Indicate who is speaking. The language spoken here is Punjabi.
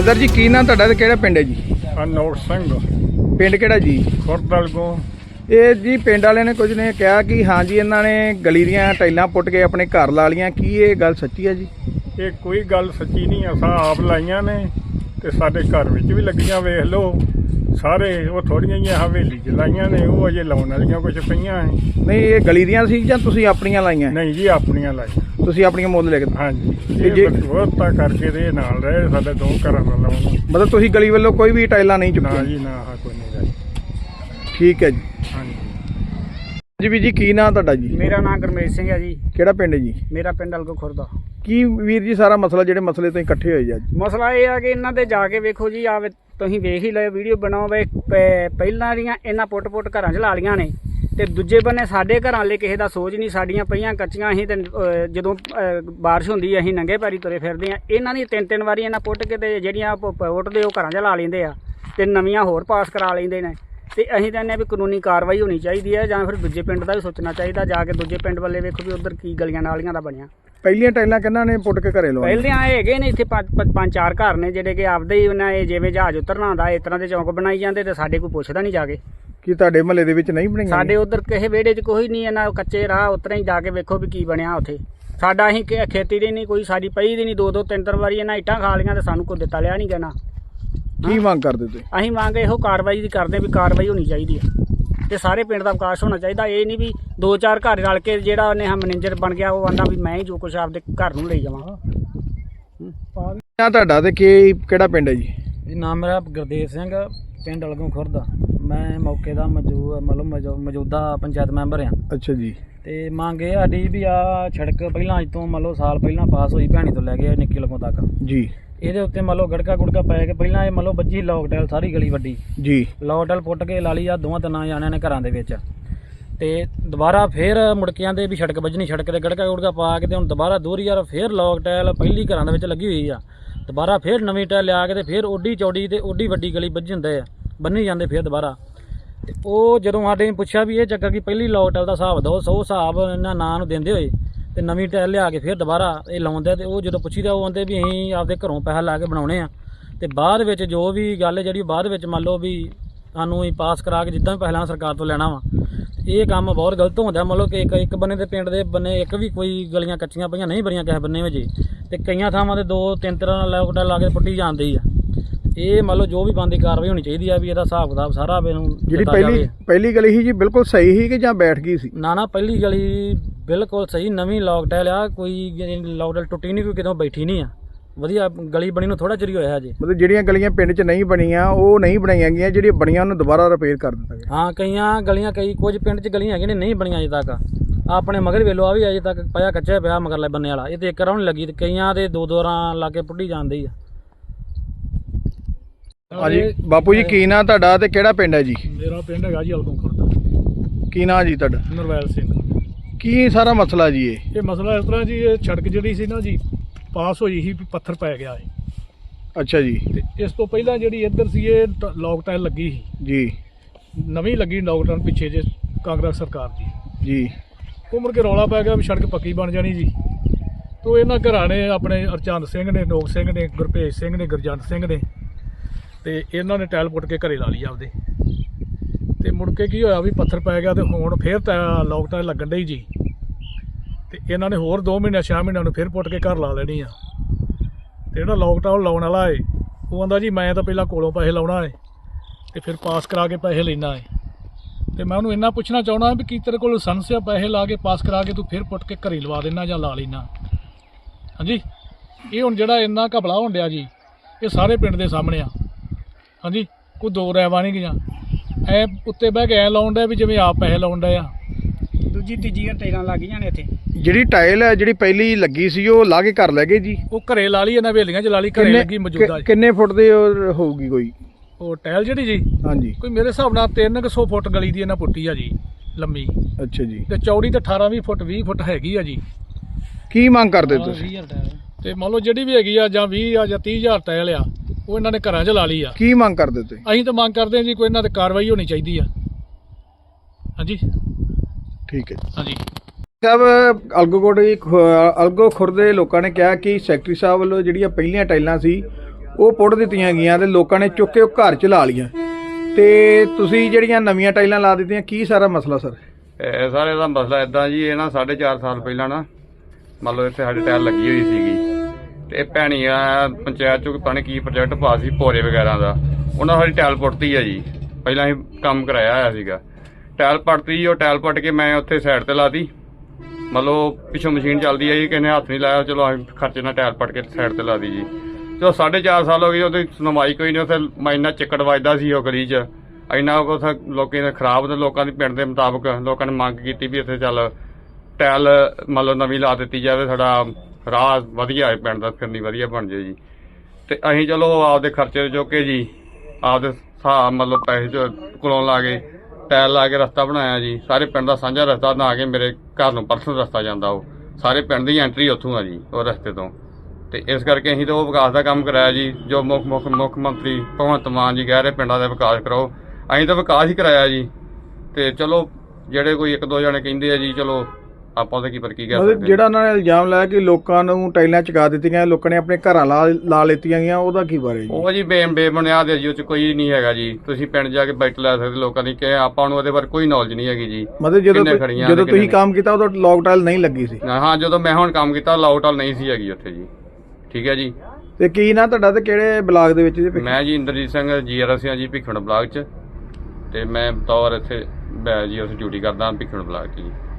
Speaker 1: ਜਥੇਦਾਰ ਜੀ ਕੀ ਨਾਮ ਤੁਹਾਡਾ ਤੇ ਕਿਹੜਾ ਪਿੰਡ ਹੈ ਜੀ?
Speaker 2: ਅਨੋਟ ਸਿੰਘ
Speaker 1: ਪਿੰਡ ਕਿਹੜਾ ਜੀ?
Speaker 2: ਖੁਰਦਲਗੋਂ।
Speaker 1: ਇਹ ਜੀ ਪਿੰਡ ਵਾਲਿਆਂ ਨੇ ਕੁਝ ਨੇ ਕਿਹਾ ਕਿ ਹਾਂ ਜੀ ਇਹਨਾਂ ਨੇ ਗਲੀ ਦੀਆਂ ਟਾਈਲਾਂ ਪੁੱਟ ਕੇ ਆਪਣੇ ਘਰ ਲਾ ਲੀਆਂ, ਕੀ ਇਹ ਗੱਲ ਸੱਚੀ ਹੈ ਜੀ?
Speaker 2: ਇਹ ਕੋਈ ਗੱਲ ਸੱਚੀ ਨਹੀਂ, ਅਸਾਂ ਆਪ ਲਾਈਆਂ ਨੇ ਤੇ ਸਾਡੇ ਘਰ ਵਿੱਚ ਵੀ ਲੱਗੀਆਂ, ਵੇਖ ਲਓ ਸਾਰੇ। ਉਹ ਥੋੜੀਆਂ ਜਿਹੀਆਂ ਹਵੇਲੀ 'ਚ ਲਾਈਆਂ ਨੇ, ਉਹ ਅਜੇ ਲਾਉਣ ਵਾਲੀਆਂ ਕੁਝ ਪਈਆਂ ਹੈ।
Speaker 1: ਨਹੀਂ ਇਹ ਗਲੀ ਦੀਆਂ ਸੀ ਜਾਂ ਤੁਸੀਂ ਆਪਣੀਆਂ ਲਾਈਆਂ?
Speaker 2: ਨਹੀਂ ਜੀ, ਆਪਣੀਆਂ ਲਾਈਆਂ।
Speaker 1: ਤੁਸੀਂ ਆਪਣੀਆਂ ਮੁੱਲ ਲੈ ਕੇ?
Speaker 2: ਹਾਂਜੀ,
Speaker 1: ਤੇ ਜੇ
Speaker 2: ਵਿਰੋਧਤਾ ਕਰਕੇ ਤੇ ਇਹ ਨਾਲ ਰਹੇ ਸਾਡੇ ਦੋ ਘਰਾਂ ਨਾਲ ਲਾਉਣ।
Speaker 1: ਮਤਲਬ ਤੁਸੀਂ ਗਲੀ ਵੱਲੋਂ ਕੋਈ ਵੀ ਟਾਈਲਾਂ ਨਹੀਂ
Speaker 2: ਨਾ
Speaker 1: ਚੁੱਕੀਆਂ?
Speaker 2: ਜੀ ਨਾ, ਹਾਂ ਕੋਈ ਨਹੀਂ ਲਾਈ।
Speaker 1: ਠੀਕ ਹੈ ਜੀ।
Speaker 2: ਹਾਂਜੀ
Speaker 1: ਜੀ ਵੀਰ ਜੀ ਕੀ ਨਾਮ ਤੁਹਾਡਾ ਜੀ?
Speaker 3: ਮੇਰਾ ਨਾਮ ਗੁਰਮੇਜ ਸਿੰਘ ਹੈ ਜੀ।
Speaker 1: ਕਿਹੜਾ ਪਿੰਡ ਹੈ ਜੀ?
Speaker 3: ਮੇਰਾ ਪਿੰਡ ਅਲਗੋ ਖੁਰਦਾ।
Speaker 1: ਕੀ ਵੀਰ ਜੀ ਸਾਰਾ ਮਸਲਾ, ਜਿਹੜੇ ਮਸਲੇ ਤੋਂ ਇਕੱਠੇ ਹੋਏ ਜੀ ਅੱਜ?
Speaker 3: ਮਸਲਾ ਇਹ ਆ ਕਿ ਇਹਨਾਂ ਦੇ ਜਾ ਕੇ ਵੇਖੋ ਜੀ, ਆ ਤੁਸੀਂ ਵੇਖ ਹੀ ਲਓ, ਵੀਡੀਓ ਬਣਾਓ ਵੇ। ਪਹਿਲਾਂ ਦੀਆਂ ਇਹਨਾਂ ਪੁੱਟ ਘਰਾਂ 'ਚ ਲਾ ਲੀਆਂ ਨੇ, ਤੇ ਦੂਜੇ ਬੰਨੇ ਸਾਡੇ ਘਰਾਂ ਲਈ ਕਿਸੇ ਦਾ ਸੋਚ ਨਹੀਂ। ਸਾਡੀਆਂ ਪਈਆਂ ਕੱਚੀਆਂ, ਅਸੀਂ ਤੇ ਜਦੋਂ ਬਾਰਿਸ਼ ਹੁੰਦੀ ਅਸੀਂ ਨੰਗੇ ਪੈਰੀ ਤੁਰੇ ਫਿਰਦੇ ਆ। ਇਹਨਾਂ ਦੀ ਤਿੰਨ ਵਾਰੀ ਇਹਨਾਂ ਪੁੱਟ ਕੇ ਤੇ ਜਿਹੜੀਆਂ ਪੁੱਟਦੇ ਉਹ ਘਰਾਂ 'ਚ ਲਾ ਲੈਂਦੇ ਆ ਤੇ ਨਵੀਆਂ ਹੋਰ ਪਾਸ ਕਰਾ ਲੈਂਦੇ ਨੇ। ਤੇ ਅਸੀਂ ਕਹਿੰਦੇ ਵੀ ਕਾਨੂੰਨੀ ਕਾਰਵਾਈ ਹੋਣੀ ਚਾਹੀਦੀ ਹੈ, ਜਾਂ ਫਿਰ ਦੂਜੇ ਪਿੰਡ ਦਾ ਵੀ ਸੋਚਣਾ ਚਾਹੀਦਾ। ਜਾ ਕੇ ਦੂਜੇ ਪਿੰਡ ਵੱਲੇ ਵੇਖੋ ਵੀ ਉਧਰ ਕੀ ਗਲੀਆਂ ਨਾਲੀਆਂ ਦਾ ਬਣਿਆ।
Speaker 1: ਪਹਿਲੀਆਂ ਟਾਈਲਾਂ ਕਿਹਨਾਂ ਨੇ ਪੁੱਟ ਕੇ ਘਰੇ ਲਵਾਈਆਂ?
Speaker 3: ਪਹਿਲਿਆਂ ਹੈਗੇ ਨੇ ਇੱਥੇ ਪੰਜ ਚਾਰ ਘਰ ਨੇ ਜਿਹੜੇ ਕਿ ਆਪਦੇ ਹੀ ਉਹਨਾਂ ਇਹ ਜਿਵੇਂ ਜਹਾਜ਼ ਉਤਰਨਾ ਹੁੰਦਾ ਇਸ ਤਰ੍ਹਾਂ ਦੇ ਚੌਂਕ ਬਣਾਈ ਜਾਂਦੇ, ਤੇ ਸਾਡੇ ਕੋਈ ਪੁੱਛਦਾ ਨਹੀਂ ਜਾ ਕੇ।
Speaker 1: ਕੀ ਤੁਹਾਡੇ ਮਹੱਲੇ ਦੇ ਵਿੱਚ ਨਹੀਂ ਬਣੀਆਂ?
Speaker 3: ਸਾਡੇ ਉਧਰ ਕਿਸੇ ਵਿਹੜੇ 'ਚ ਕੋਈ ਨਹੀਂ, ਇਹਨਾਂ ਕੱਚੇ ਰਾਹ ਉਤਰਾਂ ਹੀ ਜਾ ਕੇ ਵੇਖੋ ਵੀ ਕੀ ਬਣਿਆ ਉੱਥੇ। ਸਾਡਾ ਅਸੀਂ ਖੇਤੀ ਦੀ ਨਹੀਂ ਕੋਈ, ਸਾਡੀ ਪਈ ਦੀ ਨਹੀਂ। ਦੋ ਤਿੰਨ ਵਾਰੀ ਇਹਨਾਂ ਇੱਟਾਂ ਖਾ ਲਈਆਂ ਤੇ ਸਾਨੂੰ ਕੋਈ ਦਿੱਤਾ ਲਿਆ ਨਹੀਂ ਗਿਆ ਨਾ।
Speaker 1: ਕੀ ਮੰਗ ਕਰਦੇ ਤੁਸੀਂ?
Speaker 3: ਅਸੀਂ ਮੰਗ ਇਹੋ ਕਾਰਵਾਈ ਦੀ ਕਰਦੇ ਵੀ ਕਾਰਵਾਈ ਹੋਣੀ ਚਾਹੀਦੀ ਹੈ ਤੇ ਸਾਰੇ ਪਿੰਡ ਦਾ ਵਿਕਾਸ ਹੋਣਾ ਚਾਹੀਦਾ। ਇਹ ਨਹੀਂ ਵੀ ਦੋ ਚਾਰ ਘਰ ਰਲ ਕੇ ਜਿਹੜਾ ਉਹਨੇ ਮੈਨੇਜਰ ਬਣ ਗਿਆ ਉਹ ਆਂਦਾ ਵੀ ਮੈਂ ਹੀ ਜੋ ਕੁਛ ਆਪਦੇ ਘਰ ਨੂੰ ਲਈ ਜਾਵਾਂ।
Speaker 1: ਤੁਹਾਡਾ ਤੇ ਕਿਹੜਾ ਪਿੰਡ ਹੈ ਜੀ?
Speaker 4: ਨਾਮ ਮੇਰਾ ਗੁਰਦੇਵ ਸਿੰਘ, ਪਿੰਡ ਅਲਗੋਂ ਖੁਰਦਾ। ਮੈਂ ਮੌਕੇ ਦਾ ਮੌਜੂਦਾ ਪੰਚਾਇਤ ਮੈਂਬਰ ਆ।
Speaker 1: ਅੱਛਾ ਜੀ।
Speaker 4: ਤੇ ਮੰਗ ਇਹ ਸਾਡੀ ਵੀ ਆ ਸੜਕ ਪਹਿਲਾਂ ਅੱਜ ਤੋਂ ਸਾਲ ਪਹਿਲਾਂ ਪਾਸ ਹੋਈ, ਭੈਣੀ ਤੋਂ ਲੈ ਕੇ ਨਿੱਕੀ ਲਗੋਂ ਤੱਕ
Speaker 1: ਜੀ।
Speaker 4: ਇਹਦੇ ਉੱਤੇ ਗੜਕਾ ਗੁੜਕਾ ਪੈ ਕੇ ਪਹਿਲਾਂ ਇਹ ਵੱਜੀ ਲੋਕ ਟੈਲ ਸਾਰੀ ਗਲੀ ਵੱਡੀ
Speaker 1: ਜੀ।
Speaker 4: ਲੋਕ ਟੈਲ ਪੁੱਟ ਕੇ ਲਾ ਲਈ ਆ ਦੋਵਾਂ ਤਿੰਨਾਂ ਜਾਣਿਆਂ ਨੇ ਘਰਾਂ ਦੇ ਵਿੱਚ। ਤੇ ਦੁਬਾਰਾ ਫੇਰ ਮੁੜ ਕੇ ਆਂਦੇ ਵੀ ਸੜਕ ਵੱਜਣੀ, ਸੜਕ ਤੇ ਗੜਕਾ ਗੁੜਕਾ ਪਾ ਕੇ ਤੇ ਹੁਣ ਦੁਬਾਰਾ ਦੋਹਰੀ ਯਾਰ ਫੇਰ ਲੋਕ ਟੈਲ ਪਹਿਲੀ ਘਰਾਂ ਦੇ ਵਿੱਚ ਲੱਗੀ ਹੋਈ ਆ। ਦੁਬਾਰਾ ਫੇਰ ਨਵੀਂ ਟੈਲ ਲਿਆ ਕੇ ਤੇ ਫੇਰ ਓਡੀ ਚੌੜੀ ਤੇ ਓਡੀ ਵੱਡੀ ਗਲੀ ਵੱਜੀ ਹੁੰਦੇ ਆ, ਬੰਨੀ ਜਾਂਦੇ ਫੇਰ ਦੁਬਾਰਾ। ਤੇ ਉਹ ਜਦੋਂ ਸਾਡੇ ਨੇ ਪੁੱਛਿਆ ਵੀ ਇਹ ਚੱਕਰ ਕੀ ਪਹਿਲੀ ਲੋਕ ਟੈਲ ਦਾ ਹਿਸਾਬ ਦਿਓ, ਸੋ ਹਿਸਾਬ ਇਹਨਾਂ ਨਾਂ ਨੂੰ ਦਿੰਦੇ ਹੋਏ ਤੇ ਨਵੀਂ ਟੈਲ ਲਿਆ ਕੇ ਫਿਰ ਦੁਬਾਰਾ ਇਹ ਲਾਉਂਦੇ। ਤੇ ਉਹ ਜਦੋਂ ਪੁੱਛੀਦਾ ਉਹ ਆਂਦੇ ਵੀ ਅਸੀਂ ਆਪਦੇ ਘਰੋਂ ਪੈਸਾ ਲਾ ਕੇ ਬਣਾਉਣੇ ਆ, ਤੇ ਬਾਅਦ ਵਿੱਚ ਜੋ ਵੀ ਗੱਲ ਜਿਹੜੀ ਬਾਅਦ ਵਿੱਚ ਮੰਨ ਲਓ ਵੀ ਸਾਨੂੰ ਹੀ ਪਾਸ ਕਰਾ ਕੇ ਜਿੱਦਾਂ ਵੀ ਪਹਿਲਾਂ ਸਰਕਾਰ ਤੋਂ ਲੈਣਾ ਵਾ। ਇਹ ਕੰਮ ਬਹੁਤ ਗਲਤ ਹੁੰਦਾ। ਮਤਲਬ ਕਿ ਇੱਕ ਬੰਨੇ ਦੇ ਪਿੰਡ ਦੇ ਬੰਨੇ ਇੱਕ ਵੀ ਕੋਈ ਗਲੀਆਂ ਕੱਚੀਆਂ ਪਈਆਂ ਨਹੀਂ ਬਣੀਆਂ ਕਿਸੇ ਬੰਨੇ ਵਜੇ, ਤੇ ਕਈਆਂ ਥਾਵਾਂ ਤੇ ਦੋ ਤਿੰਨ ਤਰ੍ਹਾਂ ਨਾਲ ਲੋਕ ਲਾ ਕੇ ਪੁੱਟੀ ਜਾਂਦੀ ਆ। ਇਹ ਮੰਨ ਲਓ ਜੋ ਵੀ ਬਣਦੀ ਕਾਰਵਾਈ ਹੋਣੀ ਚਾਹੀਦੀ ਆ ਵੀ ਇਹਦਾ ਹਿਸਾਬ ਕਿਤਾਬ ਸਾਰਾ ਮੈਨੂੰ। ਜਿਹੜੀ
Speaker 1: ਪਹਿਲੀ ਗਲੀ ਸੀ ਜੀ ਬਿਲਕੁਲ ਸਹੀ ਸੀ ਕਿ ਜਾਂ ਬੈਠ ਗਈ ਸੀ?
Speaker 4: ਨਾ ਪਹਿਲੀ ਗਲੀ ਬਿਲਕੁਲ ਸਹੀ, ਨਵੀਂ ਲੋਕ ਟੈਲ ਆ, ਕੋਈ ਲੋਕ ਟੈਲ ਟੁੱਟੀ ਨਹੀਂ, ਕੋਈ ਕਿਤੋਂ ਬੈਠੀ ਨਹੀਂ ਆ। ਵਧੀਆ ਗਲੀ ਬਣੀ ਨੂੰ ਥੋੜਾ ਚਿਰ ਹੀ ਹੋਇਆ ਹਜੇ।
Speaker 1: ਮਤਲਬ ਜਿਹੜੀਆਂ ਗਲੀਆਂ ਪਿੰਡ 'ਚ ਨਹੀਂ ਬਣੀਆਂ ਉਹ ਨਹੀਂ ਬਣਾਈਆਂ ਗਈਆਂ, ਜਿਹੜੀਆਂ ਬਣੀਆਂ ਉਹਨੂੰ ਦੁਬਾਰਾ ਰਿਪੇਅਰ ਕਰ ਦਿੱਤਾ ਗਿਆ।
Speaker 4: ਹਾਂ ਕਈਆਂ ਗਲੀਆਂ ਕੁਝ ਪਿੰਡ 'ਚ ਗਲੀਆਂ ਹੈਗੀਆਂ ਨੇ ਨਹੀਂ ਬਣੀਆਂ ਅਜੇ ਤੱਕ। ਆਪਣੇ ਮਗਰ ਵੇਲੋ ਆ ਵੀ ਅਜੇ ਤੱਕ ਪਿਆ ਕੱਚਾ ਪਿਆ ਮਗਰਲੇ ਬੰਨੇ ਵਾਲਾ, ਇਹ ਤੇ ਇੱਕ ਰਾਹ ਨਹੀਂ ਲੱਗੀ, ਤੇ ਕਈਆਂ ਦੇ ਦੋ ਰਾਂ ਲਾ ਕੇ ਪੁੱਟੀ ਜਾਂਦੀ ਆ।
Speaker 1: ਹਾਂਜੀ ਬਾਪੂ ਜੀ ਕੀ ਨਾਂ ਤੁਹਾਡਾ ਤੇ ਕਿਹੜਾ ਪਿੰਡ ਹੈ ਜੀ?
Speaker 2: ਮੇਰਾ ਪਿੰਡ ਹੈਗਾ ਜੀ ਅਲਗੋਂ ਖੁਰਦਾ।
Speaker 1: ਕੀ ਨਾਂ ਜੀ ਤੁਹਾਡਾ?
Speaker 2: ਨਰਵੈਲ ਸਿੰਘ।
Speaker 1: ਕੀ ਸਾਰਾ ਮਸਲਾ ਜੀ ਇਹ?
Speaker 2: ਇਹ ਮਸਲਾ ਇਸ ਤਰ੍ਹਾਂ ਜੀ, ਇਹ ਸੜਕ ਜਿਹੜੀ ਸੀ ਨਾ ਜੀ ਪਾਸ ਹੋਈ ਸੀ, ਪੱਥਰ ਪੈ ਗਿਆ ਹੈ।
Speaker 1: ਅੱਛਾ ਜੀ।
Speaker 2: ਤੇ ਇਸ ਤੋਂ ਪਹਿਲਾਂ ਜਿਹੜੀ ਇੱਧਰ ਸੀ ਇਹ ਲੋਕ ਟੈਲ ਲੱਗੀ ਸੀ
Speaker 1: ਜੀ।
Speaker 2: ਨਵੀਂ ਲੱਗੀ ਲੋਕ ਟੈਲ ਪਿੱਛੇ ਜੇ ਕਾਂਗਰਸ ਸਰਕਾਰ ਦੀ
Speaker 1: ਜੀ।
Speaker 2: ਉਹ ਮੁੜ ਕੇ ਰੌਲਾ ਪੈ ਗਿਆ ਵੀ ਸੜਕ ਪੱਕੀ ਬਣ ਜਾਣੀ ਜੀ। ਤੋ ਇਹਨਾਂ ਘਰਾਂ ਨੇ ਆਪਣੇ ਅਰਚੰਦ ਸਿੰਘ ਨੇ, ਨੋਕ ਸਿੰਘ ਨੇ, ਗੁਰਭੇਜ ਸਿੰਘ ਨੇ, ਗੁਰਜੰਟ ਸਿੰਘ ਨੇ, ਤੇ ਇਹਨਾਂ ਨੇ ਟੈਲ ਪੁੱਟ ਕੇ ਘਰੇ ਲਾ ਲਈ ਆਪਦੇ। ਤੇ ਮੁੜ ਕੇ ਕੀ ਹੋਇਆ ਵੀ ਪੱਥਰ ਪੈ ਗਿਆ, ਤੇ ਹੁਣ ਫੇਰ ਲੋਕ ਟੈਲ ਲੱਗਣ ਡਈ ਜੀ। ਤੇ ਇਹਨਾਂ ਨੇ ਹੋਰ 2 ਮਹੀਨੇ 6 ਮਹੀਨਿਆਂ ਨੂੰ ਫਿਰ ਪੁੱਟ ਕੇ ਘਰ ਲਾ ਲੈਣੀ ਆ। ਤੇ ਜਿਹੜਾ ਲੋਕ ਟੈਲ ਲਾਉਣ ਵਾਲਾ ਏ ਉਹ ਆਂਦਾ ਜੀ ਮੈਂ ਤਾਂ ਪਹਿਲਾਂ ਕੋਲੋਂ ਪੈਸੇ ਲਾਉਣਾ ਏ ਤੇ ਫਿਰ ਪਾਸ ਕਰਾ ਕੇ ਪੈਸੇ ਲੈਣਾ ਏ। ਤੇ ਮੈਂ ਉਹਨੂੰ ਇੰਨਾ ਪੁੱਛਣਾ ਚਾਹੁੰਦਾ ਵੀ ਕੀ ਤੇਰੇ ਕੋਲ ਲਾਇਸੈਂਸ ਆ ਪੈਸੇ ਲਾ ਕੇ ਪਾਸ ਕਰਾ ਕੇ ਤੂੰ ਫਿਰ ਪੁੱਟ ਕੇ ਘਰੇ ਲਵਾ ਦੇਣਾ ਜਾਂ ਲਾ ਲੈਣਾ? ਹਾਂਜੀ, ਇਹ ਹੁਣ ਜਿਹੜਾ ਇੰਨਾ ਘਪਲਾ ਹੋਣ ਡਿਆ ਜੀ ਇਹ ਸਾਰੇ ਪਿੰਡ ਦੇ ਸਾਹਮਣੇ ਆ। ਹਾਂਜੀ, ਕੋਈ ਦੋ ਰਹਿਵਾ ਨਹੀਂ ਗਿਆ ਐ ਉੱਤੇ ਬਹਿ ਕੇ ਐ ਲਾਉਣ ਡਿਆ ਵੀ ਜਿਵੇਂ ਆਪ ਪੈਸੇ ਲਾਉਣ ਡਿਆ।
Speaker 3: ਦੂਜੀ ਤੀਜੀ ਟਾਈਲਾਂ ਲੱਗ ਗਈਆਂ ਨੇ ਇੱਥੇ।
Speaker 1: ਜਿਹੜੀ ਟਾਇਲ ਹੈ ਜਿਹੜੀ ਪਹਿਲੀ ਲੱਗੀ ਸੀ ਉਹ ਲਾ ਕੇ ਘਰ ਲੈ ਗਏ ਜੀ?
Speaker 2: ਉਹ ਘਰੇ ਲਾ ਲਈ, ਇਹਨਾਂ ਹਵੇਲੀਆਂ 'ਚ ਲਾ ਲਈ, ਘਰੇ ਲੱਗੀ ਮੌਜੂਦਾ।
Speaker 1: ਕਿੰਨੇ ਫੁੱਟ ਦੀ ਹੋਊਗੀ ਕੋਈ
Speaker 2: ਉਹ ਟਾਇਲ ਜਿਹੜੀ ਜੀ?
Speaker 1: ਹਾਂਜੀ,
Speaker 2: ਕੋਈ ਮੇਰੇ ਹਿਸਾਬ ਨਾਲ 300 ਫੁੱਟ ਗਲੀ ਦੀ ਇਹਨਾਂ ਪੁੱਟੀ ਆ ਜੀ ਲੰਮੀ।
Speaker 1: ਅੱਛਾ ਜੀ।
Speaker 2: ਤੇ ਚੌੜੀ ਤੇ 18-20 ਫੁੱਟ 20 ਫੁੱਟ ਹੈਗੀ ਆ ਜੀ।
Speaker 1: ਕੀ ਮੰਗ ਕਰਦੇ ਤੁਸੀਂ?
Speaker 2: ਤੇ ਮੰਨ ਲਓ ਜਿਹੜੀ ਵੀ ਹੈਗੀ ਆ ਜਾਂ 20 ਆ ਜਾਂ 30,000 ਟਾਇਲ ਆ ਉਹ ਇਹਨਾਂ ਨੇ ਘਰਾਂ 'ਚ ਲਾ ਲਈ ਆ।
Speaker 1: ਕੀ ਮੰਗ ਕਰਦੇ ਤੁਸੀਂ?
Speaker 2: ਅਸੀਂ ਤਾਂ ਮੰਗ ਕਰਦੇ ਹਾਂ ਜੀ ਕੋਈ ਇਹਨਾਂ ਤੇ ਕਾਰਵਾਈ ਹੋਣੀ ਚਾਹੀਦੀ ਆ। ਹਾਂਜੀ
Speaker 1: ਠੀਕ ਹੈ ਜੀ।
Speaker 2: ਹਾਂਜੀ
Speaker 1: ਸਾਹਿਬ ਅਲਗੋ ਖੁਰਦ ਦੇ ਲੋਕਾਂ ਨੇ ਕਿਹਾ ਕਿ ਸੈਕਟਰੀ ਸਾਹਿਬ ਵੱਲੋਂ ਜਿਹੜੀਆਂ ਪਹਿਲੀਆਂ ਟਾਈਲਾਂ ਸੀ ਉਹ ਪੁੱਟ ਦਿੱਤੀਆਂ ਗਈਆਂ ਤੇ ਲੋਕਾਂ ਨੇ ਚੁੱਕ ਕੇ ਉਹ ਘਰ ਚ ਲਾ ਲਈਆਂ, ਤੇ ਤੁਸੀਂ ਜਿਹੜੀਆਂ ਨਵੀਆਂ ਟਾਈਲਾਂ ਲਾ ਦਿੱਤੀਆਂ, ਕੀ ਸਾਰਾ ਮਸਲਾ ਸਰ?
Speaker 5: ਇਹ ਸਾਰੇ ਦਾ ਮਸਲਾ ਇਦਾਂ ਜੀ, ਇਹ ਨਾ 4.5 ਸਾਲ ਪਹਿਲਾਂ ਨਾ ਮੰਨ ਲਓ ਇੱਥੇ ਸਾਡੇ ਟਾਇਲ ਲੱਗੀ ਹੋਈ ਸੀਗੀ, ਤੇ ਇਹ ਭੈਣੀਆਂ ਪੰਚਾਇਤ ਚੋਂ ਪਤਾ ਨਹੀਂ ਕੀ ਪ੍ਰੋਜੈਕਟ ਪਾਸ ਸੀ ਪੋਰੇ ਵਗੈਰਾ ਦਾ, ਉਹਨਾਂ ਸਾਡੀ ਟਾਇਲ ਪੁੱਟਤੀ ਆ ਜੀ। ਪਹਿਲਾਂ ਅਸੀਂ ਕੰਮ ਕਰਾਇਆ ਹੋਇਆ ਸੀਗਾ, ਟਾਇਲ ਪੱਟਤੀ ਜੀ। ਉਹ ਟਾਇਲ ਪੱਟ ਕੇ ਮੈਂ ਉੱਥੇ ਸਾਈਡ ਤੇ ਲਾਤੀ, ਮਤਲਬ ਪਿੱਛੋਂ ਮਸ਼ੀਨ ਚੱਲਦੀ ਹੈ ਜੀ, ਕਿਸੇ ਨੇ ਹੱਥ ਨਹੀਂ ਲਾਇਆ, ਚਲੋ ਅਸੀਂ ਖਰਚੇ ਨਾਲ ਟਾਇਲ ਪੱਟ ਕੇ ਸਾਈਡ ਤੇ ਲਾਤੀ ਜੀ। ਚਲੋ 4.5 ਸਾਲ ਹੋ ਗਏ, ਉਹਦੀ ਸੁਣਵਾਈ ਕੋਈ ਨਹੀਂ। ਉੱਥੇ ਇੰਨਾ ਚਿੱਕੜ ਵੱਜਦਾ ਸੀ ਉਹ ਗਲੀ 'ਚ, ਇੰਨਾ ਉੱਥੇ ਲੋਕਾਂ ਨੇ ਖਰਾਬ, ਤੇ ਲੋਕਾਂ ਦੀ ਪਿੰਡ ਦੇ ਮੁਤਾਬਕ ਲੋਕਾਂ ਨੇ ਮੰਗ ਕੀਤੀ ਵੀ ਇੱਥੇ ਚੱਲ ਟਾਇਲ ਮਤਲਬ ਨਵੀਂ ਲਾ ਦਿੱਤੀ ਜਾਵੇ, ਸਾਡਾ ਰਾਹ ਵਧੀਆ ਹੈ ਪਿੰਡ ਦਾ, ਫਿਰਨੀ ਵਧੀਆ ਬਣ ਜਾਏ ਜੀ। ਤੇ ਅਸੀਂ ਚਲੋ ਆਪਦੇ ਖਰਚੇ ਚੁੱਕ ਕੇ ਜੀ, ਆਪਦੇ ਹਿਸਾਬ ਮਤਲਬ ਪੈਸੇ ਕੋਲੋਂ ਲਾ ਕੇ ਟਾਇਲ ਲਾ ਕੇ ਰਸਤਾ ਬਣਾਇਆ ਜੀ। ਸਾਰੇ ਪਿੰਡ ਦਾ ਸਾਂਝਾ ਰਸਤਾ ਨਾ ਕੇ ਮੇਰੇ ਘਰ ਨੂੰ ਪਰਸਨਲ ਰਸਤਾ ਜਾਂਦਾ, ਉਹ ਸਾਰੇ ਪਿੰਡ ਦੀ ਐਂਟਰੀ ਉੱਥੋਂ ਆ ਜੀ ਉਹ ਰਸਤੇ ਤੋਂ। ਤੇ ਇਸ ਕਰਕੇ ਅਸੀਂ ਤਾਂ ਉਹ ਵਿਕਾਸ ਦਾ ਕੰਮ ਕਰਾਇਆ ਜੀ, ਜੋ ਮੁੱਖ ਮੰਤਰੀ ਭਗਵੰਤ ਮਾਨ ਜੀ ਕਹਿ ਰਹੇ ਪਿੰਡਾਂ ਦਾ ਵਿਕਾਸ ਕਰਾਓ, ਅਸੀਂ ਤਾਂ ਵਿਕਾਸ ਹੀ ਕਰਾਇਆ ਜੀ। ਤੇ ਚਲੋ ਜਿਹੜੇ ਕੋਈ 1-2 ਜਣੇ ਕਹਿੰਦੇ ਆ ਜੀ, ਚਲੋ ਆਪਾਂ ਉਹਦੇ ਕੀ ਪਰ ਕੀ ਕਹਿ ਸਕਦੇ।
Speaker 1: ਜਿਹੜਾ ਉਹਨਾਂ ਨੇ ਇਲਜ਼ਾਮ ਲਾਇਆ ਕਿ ਲੋਕਾਂ ਨੂੰ ਟਾਈਲਾਂ ਚੁਕਾ ਦਿੱਤੀਆਂ, ਲੋਕਾਂ ਨੇ ਆਪਣੇ ਘਰਾਂ ਲਾ ਲਿੱਤੀਆਂ ਗਈਆਂ, ਉਹਦਾ ਕੀ ਬਾਰੇ ਜੀ?
Speaker 5: ਉਹ ਜੀ ਬੇਬੁਨਿਆਦ ਹੈ ਜੀ, ਉਹ 'ਚ ਕੋਈ ਨਹੀਂ ਹੈਗਾ ਜੀ। ਤੁਸੀਂ ਪਿੰਡ ਜਾ ਕੇ ਬੈਠ ਲੈ ਸਕਦੇ ਲੋਕਾਂ ਦੀ, ਕਿ ਆਪਾਂ ਨੂੰ ਉਹਦੇ ਬਾਰੇ ਕੋਈ ਨੌਲੇਜ ਨਹੀਂ ਹੈਗੀ ਜੀ।
Speaker 1: ਮਤਲਬ ਜਦੋਂ ਤੁਸੀਂ ਕੰਮ ਕੀਤਾ ਉਦੋਂ ਲੌਕ ਟਾਈਲ ਨਹੀਂ ਲੱਗੀ ਸੀ?
Speaker 5: ਹਾਂ, ਜਦੋਂ ਮੈਂ ਹੁਣ ਕੰਮ ਕੀਤਾ ਲੌਕ ਟਾਈਲ ਨਹੀਂ ਸੀ ਹੈਗੀ ਉੱਥੇ ਜੀ। ਠੀਕ ਹੈ ਜੀ।
Speaker 1: ਤੇ ਕੀ ਨਾ ਤੁਹਾਡਾ ਤੇ ਕਿਹੜੇ ਬਲਾਕ ਦੇ ਵਿੱਚ ਜੀ?
Speaker 5: ਮੈਂ ਜੀ ਇੰਦਰਜੀਤ ਸਿੰਘ GRS ਆ ਜੀ, ਭਿੱਖਣ ਬਲਾਕ 'ਚ, ਤੇ ਮੈਂ ਬਤੌਰ ਇੱਥੇ ਜੀ ਉਸ ਡਿਊਟੀ ਕਰਦਾ ਭਿੱਖਣ ਬਲਾਕ 'ਚ ਜੀ।